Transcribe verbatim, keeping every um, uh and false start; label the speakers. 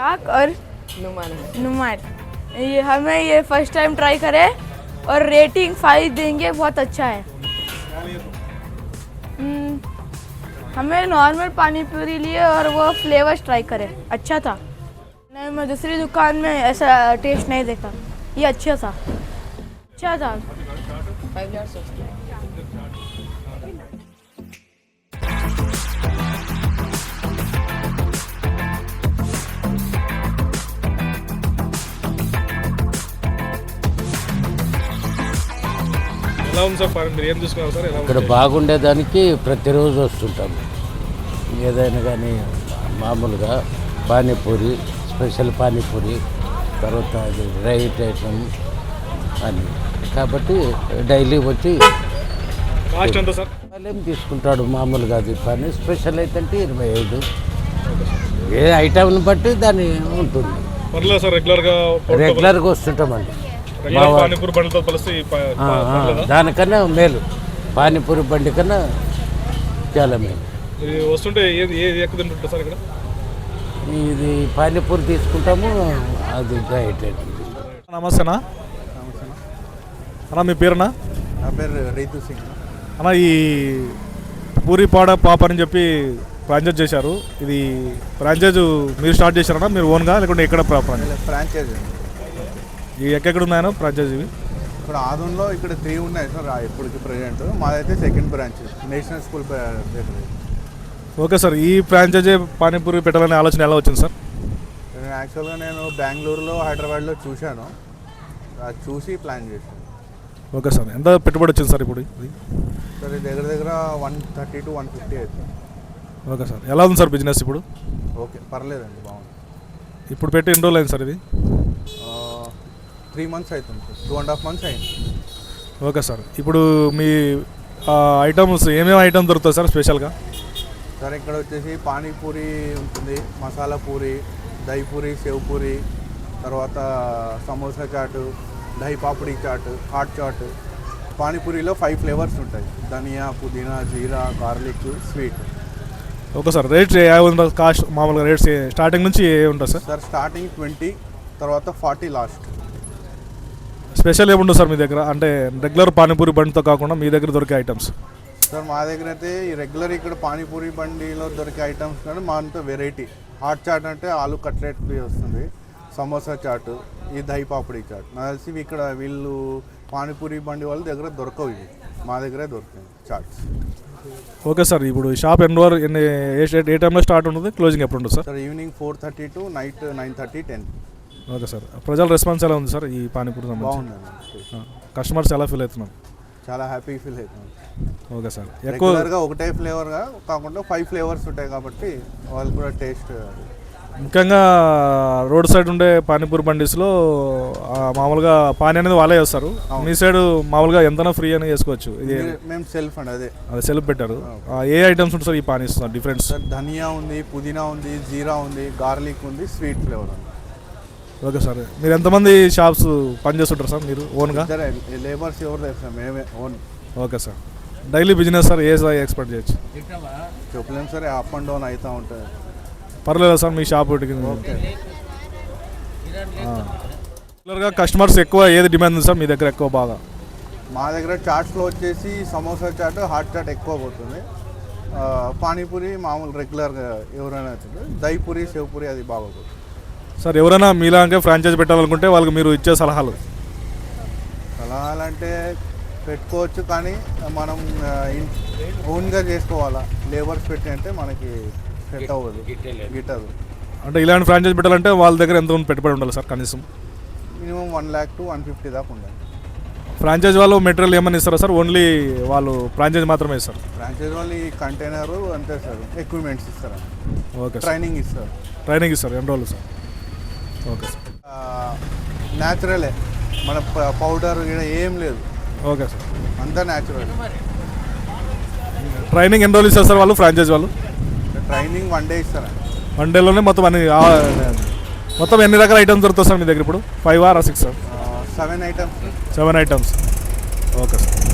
Speaker 1: चाक और नुमान नुमान ये हमें ये फर्स्ट टाइम ट्राई करें और रेटिंग फाइव देंगे, बहुत अच्छा है। हमें नॉर्मल पानी पूरी लिए और वो फ्लेवर्स ट्राई करें, अच्छा था। नहीं, मैं दूसरी दुकान में ऐसा टेस्ट नहीं देखा, ये अच्छा था, अच्छा था।
Speaker 2: ఎలా ఉంది సార్? మీరు ఏం చూసుకున్నారు సార్?
Speaker 3: ఇక్కడ బాగుండేదానికి ప్రతిరోజు వస్తుంటాం. ఏదైనా కానీ మామూలుగా పానీపూరి, స్పెషల్ పానీపూరి, తర్వాత అది రైట్ ఐటమ్ అని, కాబట్టి డైలీ వచ్చి
Speaker 2: కాస్ట్ ఎంత సార్?
Speaker 3: ఏం తీసుకుంటాడు మామూలుగా అది పానీ, స్పెషల్ అయితే అంటే ఇరవై ఐదు, ఏ ఐటమ్ని బట్టి దాని ఉంటుంది.
Speaker 2: పర్లేదు సార్, రెగ్యులర్గా
Speaker 3: రెగ్యులర్గా వస్తుంటామండి.
Speaker 2: పానీపూరి బండితో కలిసి
Speaker 3: దానికన్నా మేలు, పానీపూరి బండి కన్నా చాలా మేలు.
Speaker 2: వస్తుంటే ఏది ఏది ఎక్కువ తింటుంటారు సార్ ఇక్కడ?
Speaker 3: ఇది పానీపూరి తీసుకుంటాము, అది రైట్.
Speaker 2: నమస్తేనా అన్న, మీ పేరునా?
Speaker 4: నా పేరు రీతు సింగ్
Speaker 2: అన్న. ఈ పూరి పాడ పాప అని చెప్పి ఫ్రాంచైజ్ చేశారు, ఇది ఫ్రాంచైజ్ మీరు స్టార్ట్ చేశారన్నా, మీరు ఓన్గా లేకుంటే ఎక్కడ
Speaker 4: ఫ్రాంచైజ్?
Speaker 2: ఈ ఎక్కడెక్కడ ఉన్నాయో ఫ్రాంచైజ్ ఇవి?
Speaker 4: ఇప్పుడు ఆదంలో ఇక్కడ త్రీ ఉన్నాయి సార్ ఇప్పటికి ప్రజెంట్. మాదైతే సెకండ్ బ్రాంచ్ నేషనల్ స్కూల్ దగ్గర.
Speaker 2: ఓకే సార్, ఈ ఫ్రాంచైజీ పానీపూరి పెట్టాలనే ఆలోచన ఎలా వచ్చింది సార్?
Speaker 4: యాక్చువల్గా నేను బెంగళూరులో, హైదరాబాద్లో చూశాను, అది చూసి ప్లాన్ చేశాను.
Speaker 2: ఓకే సార్, ఎంత పెట్టుబడి వచ్చింది సార్ ఇప్పుడు?
Speaker 4: సార్ ఇది దగ్గర దగ్గర one thirty to one fifty అవుతుంది.
Speaker 2: ఓకే సార్, ఎలా ఉంది సార్ బిజినెస్ ఇప్పుడు?
Speaker 4: ఓకే, పర్లేదండి, బాగుంది.
Speaker 2: ఇప్పుడు పెట్టి ఎన్ని రోజులు అయింది సార్ ఇది?
Speaker 4: త్రీ మంత్స్ అవుతుంది sir, two and half months అయింది.
Speaker 2: ఓకే సార్, ఇప్పుడు మీ ఐటమ్స్ ఏమేమి ఐటమ్స్ దొరుకుతాయి సార్ స్పెషల్గా?
Speaker 4: సార్ ఇక్కడ వచ్చేసి పానీపూరి ఉంటుంది, మసాలా పూరి, దహి పూరి, సేవ్ పూరి, తర్వాత సమోసా చాటు, దహి పాపడి చాటు, హాట్ చాటు. పానీపూరిలో ఫైవ్ ఫ్లేవర్స్ ఉంటాయి, ధనియా, పుదీనా, జీరా, garlic, sweet.
Speaker 2: Okay sir, rates ఏ ఉంటుంది? కాస్ట్ మామూలుగా రేట్స్ స్టార్టింగ్ నుంచి ఏ ఉంటుంది సార్?
Speaker 4: సార్ స్టార్టింగ్ ట్వంటీ, తర్వాత ఫార్టీ లాస్ట్.
Speaker 2: స్పెషల్ ఏముంటుంది సార్ మీ దగ్గర, అంటే రెగ్యులర్ పానీపూరి బండితో కాకుండా మీ దగ్గర దొరికే ఐటమ్స్?
Speaker 4: సార్ మా దగ్గర అయితే ఈ రెగ్యులర్ ఇక్కడ పానీపూరి బండిలో దొరికే ఐటమ్స్ కానీ మా అంతా వెరైటీ. హాట్ చాట్ అంటే ఆలు కట్లెట్ వస్తుంది, సమోసా చాటు, ఈ దహి పాపడి చాట్. నాకు తెలిసి ఇక్కడ వీళ్ళు పానీపూరి బండి వాళ్ళ దగ్గర దొరకవు, ఇవి మా దగ్గరే దొరుకుతాయి చాట్స్.
Speaker 2: ఓకే సార్, ఇప్పుడు షాప్ ఎన్ని వరకు ఎన్ని ఏ టైంలో స్టార్ట్ ఉంటుంది, క్లోజింగ్ ఎప్పుడు ఉంటుంది sir?
Speaker 4: Sir evening four thirty to night nine thirty ten.
Speaker 2: Okay sir, ప్రజల రెస్పాన్స్ ఎలా ఉంది సార్ ఈ పానీపూరి?
Speaker 4: బాగుందండి,
Speaker 2: కస్టమర్స్ ఎలా ఫీల్ అవుతున్నారు?
Speaker 4: చాలా హ్యాపీ ఫీల్ అవుతున్నాం.
Speaker 2: ఓకే సార్,
Speaker 4: ఎక్కువగా ఒకటే ఫ్లేవర్గా కాకుండా ఫైవ్ ఫ్లేవర్స్ ఉంటాయి కాబట్టి వాళ్ళు కూడా టేస్ట్.
Speaker 2: ముఖ్యంగా రోడ్ సైడ్ ఉండే పానీపూరి బండిస్లో మామూలుగా పానీ అనేది వాళ్ళే చేస్తారు, మీ సైడ్ మామూలుగా ఎంతనా ఫ్రీ అని చేసుకోవచ్చు. ఇది
Speaker 4: మేము సెల్ఫ్ అండి, అదే
Speaker 2: అదే సెల్ఫ్ పెట్టారు. ఏ ఐటమ్స్ ఉంటుంది సార్ ఈ పానీ ఇస్తున్నారు డిఫరెంట్?
Speaker 4: సార్ ధనియా ఉంది, పుదీనా ఉంది, జీరా ఉంది, గార్లిక్ ఉంది, స్వీట్ ఫ్లేవర్ ఉంది.
Speaker 2: ఓకే సార్, మీరు ఎంతమంది షాప్స్ పనిచేస్తుంటారు సార్ మీరు ఓన్గా?
Speaker 4: లేబర్స్ ఎవరు లేదు సార్, మేమే own.
Speaker 2: Okay sir, daily business sir ఏ సార్ ఎక్స్పెక్ట్ చేయొచ్చు?
Speaker 4: చెప్పలేము సార్, అప్ అండ్ డౌన్ అవుతూ ఉంటుంది.
Speaker 2: పర్లేదా సార్ మీ షాప్? రెగ్యులర్గా కస్టమర్స్ ఎక్కువ ఏది డిమాండ్ ఉంది సార్ మీ దగ్గర ఎక్కువ బాగా?
Speaker 4: మా దగ్గర చాట్స్లో వచ్చేసి సమోసా చాట్, హాట్ చాట్ ఎక్కువ పోతుంది. పానీపూరి మామూలు రెగ్యులర్గా ఎవరైనా అవుతుంది. దహి పూరి, సేవ్ పూరి అది బాగోతుంది
Speaker 2: సార్. ఎవరైనా మీలాగే ఫ్రాంచైజ్ పెట్టాలనుకుంటే వాళ్ళకి మీరు ఇచ్చే సలహాలు?
Speaker 4: సలహాలు అంటే పెట్టుకోవచ్చు, కానీ మనం ఓన్గా చేసుకోవాలా. లేబర్స్ పెట్టి అంటే మనకి సెట్ అవ్వదు, గిట్టదు.
Speaker 2: అంటే ఇలాంటి ఫ్రాంచైజ్ పెట్టాలంటే వాళ్ళ దగ్గర ఎంత పెట్టుబడి ఉండాలి సార్ కనీసం?
Speaker 4: Minimum one lakh two one fifty దాకా ఉండాలి.
Speaker 2: ఫ్రాంచైజ్ వాళ్ళు మెటీరియల్ ఏమన్నా ఇస్తారా సార్? ఓన్లీ వాళ్ళు ఫ్రాంచైజ్ మాత్రమే ఇస్తారు?
Speaker 4: ఫ్రాంచైజ్ వాళ్ళు ఈ కంటైనరు అంతే సార్, ఎక్విప్మెంట్స్ ఇస్తారా?
Speaker 2: ఓకే,
Speaker 4: ట్రైనింగ్ ఇస్తారు.
Speaker 2: ట్రైనింగ్ ఇస్తారు ఎన్ని రోజులు సార్? ఓకే సార్,
Speaker 4: న్యాచురలే, మన పౌడర్ ఏం లేదు.
Speaker 2: ఓకే సార్,
Speaker 4: అంతా న్యాచురల్.
Speaker 2: ట్రైనింగ్ ఎన్ని రోజులు ఇస్తారు సార్ వాళ్ళు ఫ్రాంచైజ్ వాళ్ళు?
Speaker 4: ట్రైనింగ్ వన్ డే ఇస్తారా?
Speaker 2: వన్ డేలోనే మొత్తం అన్ని మొత్తం ఎన్ని రకాల ఐటమ్స్ దొరుకుతాయి సార్ మీ దగ్గర ఇప్పుడు? Five or six sir?
Speaker 4: Seven items.
Speaker 2: Seven items. Okay sir.